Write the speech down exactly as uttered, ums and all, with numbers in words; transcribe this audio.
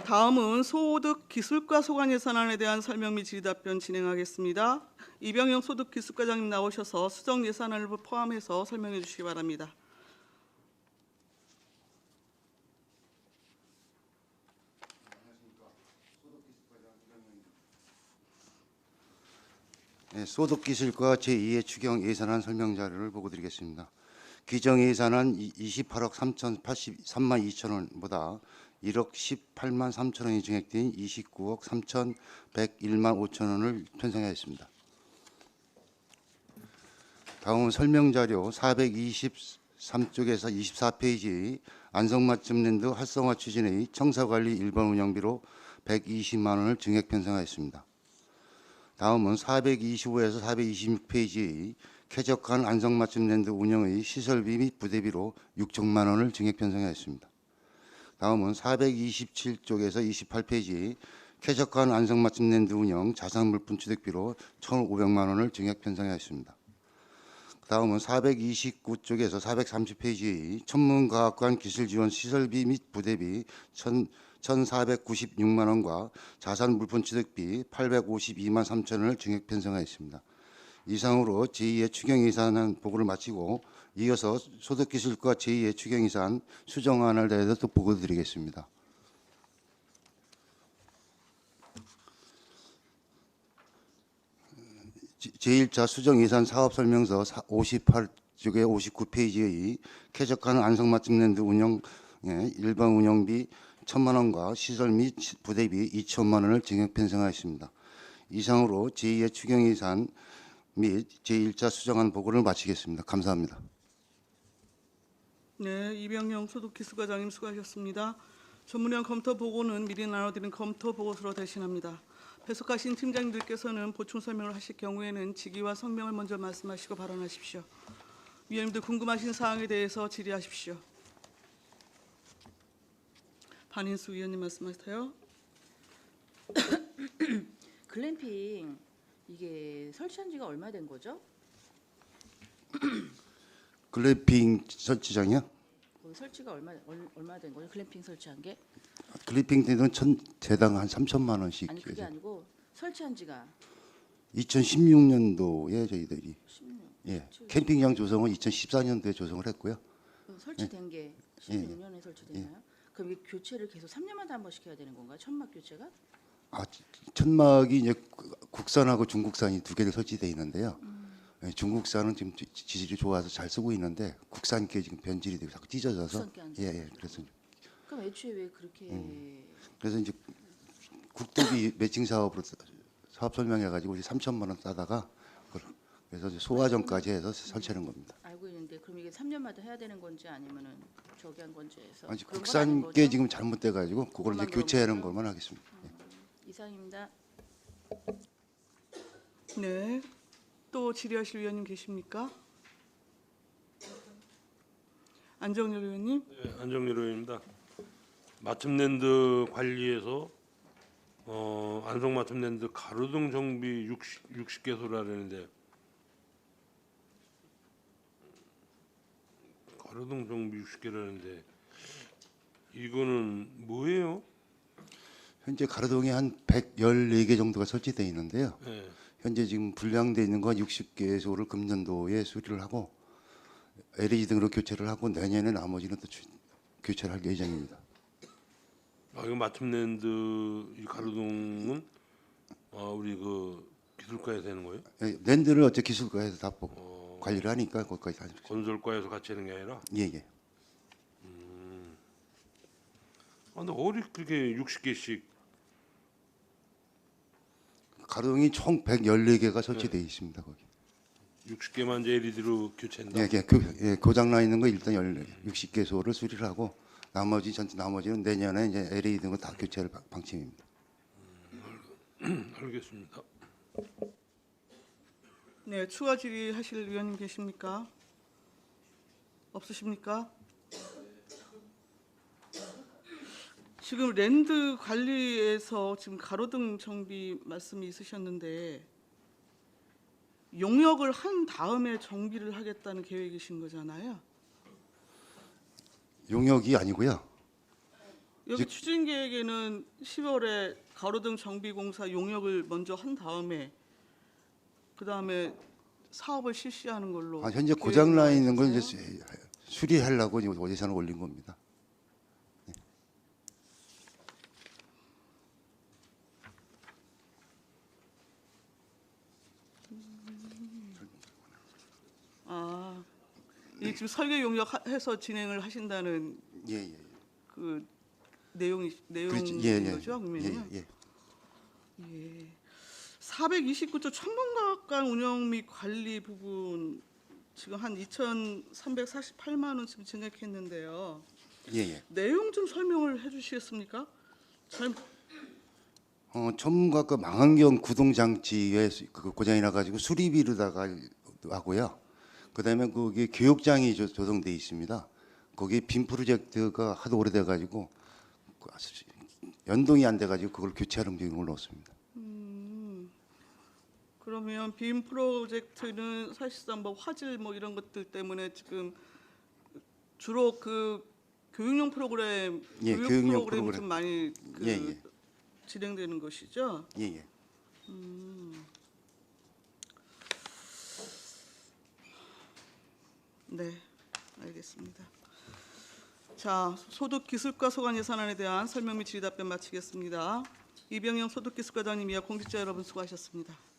다음은 소득 기술과 소관 예산안에 대한 설명 및 질의답변 진행하겠습니다. 이병영 소득기술과장님 나오셔서 수정 예산안을 포함해서 설명해 주시기 바랍니다. 네, 소득기술과 제이의 추경 예산안 설명 자료를 보고 드리겠습니다. 규정 예산안 이십팔억 삼천팔십삼만 이천 원보다 일억 십팔만 삼천 원이 증액된 이십구억 삼천백일만 오천 원을 편성하였습니다. 다음은 설명 자료 사백이십삼 쪽에서 이십사 페이지 안성맞춤랜드 활성화 추진의 청사관리 일반 운영비로 백이십만 원을 증액 편성하였습니다. 다음은 사백이십오에서 사백이십육 페이지 쾌적한 안성맞춤랜드 운영의 시설비 및 부대비로 육천만 원을 증액 편성하였습니다. 다음은 사백이십칠 쪽에서 이십팔 페이지 쾌적한 안성맞춤랜드 운영 자산물품 취득비로 천오백만 원을 증액 편성하였습니다. 다음은 사백이십구 쪽에서 사백삼십 페이지 천문과학관 기술지원 시설비 및 부대비 천사백구십육만 원과 자산물품 취득비 팔백오십이만 삼천 원을 증액 편성하였습니다. 이상으로 제이의 추경예산안 보고를 마치고 이어서 소득기술과 제이의 추경예산 수정안에 대해서 또 보고 드리겠습니다. 제일 차 수정예산 사업설명서 오십팔 쪽에 오십구 페이지의 쾌적한 안성맞춤랜드 운영 일반 운영비 천만 원과 시설 및 부대비 이천만 원을 증액 편성하였습니다. 이상으로 제이의 추경예산 및 제일 차 수정안 보고를 마치겠습니다. 감사합니다. 네, 이병영 소득기술과장님 수고하셨습니다. 전문위원 검토 보고는 미리 나눠드린 검토 보고서로 대신합니다. 배석하신 팀장님들께서는 보충 설명을 하실 경우에는 직위와 성명을 먼저 말씀하시고 발언하십시오. 위원님들 궁금하신 사항에 대해서 질의하십시오. 반인수 위원님 말씀하세요. 글램핑 이게 설치한 지가 얼마 된 거죠? 글램핑 설치장이요? 거기 설치가 얼마 얼, 얼마 된 거죠? 글램핑 설치한 게? 글램핑 때는 천, 대당 한 삼천만 원씩. 아니 그게 아니고 설치한 지가 이천십육 년도에 저희들이 십육 년. 예, 캠핑장 조성은 이천십사 년도에 조성을 했고요. 그럼 설치된 게 십육 년에 설치됐나요? 그럼 이게 교체를 계속 삼 년마다 한 번씩 해야 되는 건가요? 천막 교체가? 아, 천막이 이제 국산하고 중국산이 두 개를 설치되어 있는데요. 음. 예, 중국산은 지금 지질이 좋아서 잘 쓰고 있는데 국산께 지금 변질이 되고 자꾸 찢어져서 국산께 안 예, 예, 그래서 그럼 애초에 왜 그렇게 음. 그래서 이제 국도비 매칭 사업으로 사업 설명해가지고 삼천만 원 따다가 그래서 이제 소화전까지 해서 설치하는 겁니다. 알고 있는데 그럼 이게 삼 년마다 해야 되는 건지 아니면은 저기 한 건지 해서 아니, 그런 건 아닌 국산께 거죠? 지금 잘못돼가지고 그걸 이제 그것만 그런 교체하는 거죠? 것만 하겠습니다. 예. 이상입니다. 네, 또 질의하실 위원님 계십니까? 안정열 위원님. 네, 안정열 의원입니다. 맞춤랜드 관리에서 어, 안성맞춤랜드 가로등 정비 육십, 육십 개소라는데 가로등 정비 육십 개라는데 이거는 뭐예요? 현재 가로등에 한 백십사 개 정도가 설치되어 있는데요. 네. 현재 지금 불량되어 있는 건 육십 개소를 금년도에 수리를 하고 엘이디 등으로 교체를 하고 내년에 나머지는 또 교체를 할 예정입니다. 아, 이거 맞춤랜드 이 가로등은 아, 우리 그 기술과에서 되는 거예요? 예, 랜드를 어째 기술과에서 다 보- 어, 관리를 하니까 거기까지 다. 건설과에서 같이 하는 게 아니라. 예, 예. 아, 근데 어디 그렇게 육십 개씩 가로등이 총 백십사 개가 설치되어 있습니다. 거기. 육십 개만 이제 엘이디로 교체한다. 예, 예, 그, 예, 고장 나 있는 거 일단 육십 개소를 수리를 하고 나머지 전 나머지는 내년에 이제 엘이디 등을 다 교체할 방- 방침입니다. 알겠습니다. 네, 추가 질의하실 위원님 계십니까? 없으십니까? 지금 랜드 관리에서 지금 가로등 정비 말씀이 있으셨는데 용역을 한 다음에 정비를 하겠다는 계획이신 거잖아요. 용역이 아니고요. 여기 즉- 추진 계획에는 시월에 가로등 정비 공사 용역을 먼저 한 다음에 그 다음에 사업을 실시하는 걸로. 아, 현재 계획이 고장 나 있는 걸 이제 나와 있어서요. 수- 수리하려고 지금 예산을 올린 겁니다. 아, 이 지금 설계 용역해서 진행을 하신다는 예, 예. 그 내용이 내용인 그렇지. 예, 예. 거죠, 그러면요? 예, 예. 예. 사백이십구 조 천문과학관 운영 및 관리 부분 지금 한 이천삼백사십팔만 원 지금 증액했는데요. 예, 예. 내용 좀 설명을 해주시겠습니까? 잘 어, 천문과학과 망원경 구동 장치에 수- 그 고장이 나가지고 수리비로다가 하고요. 그다음에 거기 교육장이 조- 조성돼 있습니다. 거기 빔 프로젝트가 하도 오래돼가지고 그 아주 연동이 안 돼가지고 그걸 교체하는 비용을 넣었습니다. 그러면 빔 프로젝트는 사실상 뭐 화질 뭐 이런 것들 때문에 지금 주로 그 교육용 프로그램, 예, 교육 교육용 프로그램이 프로그램. 좀 많이 그 예, 예. 진행되는 것이죠. 예, 예. 네, 알겠습니다. 자, 소득기술과 소관 예산안에 대한 설명 및 질의 답변 마치겠습니다. 이병영 소득기술과장님이야 공직자 여러분 수고하셨습니다.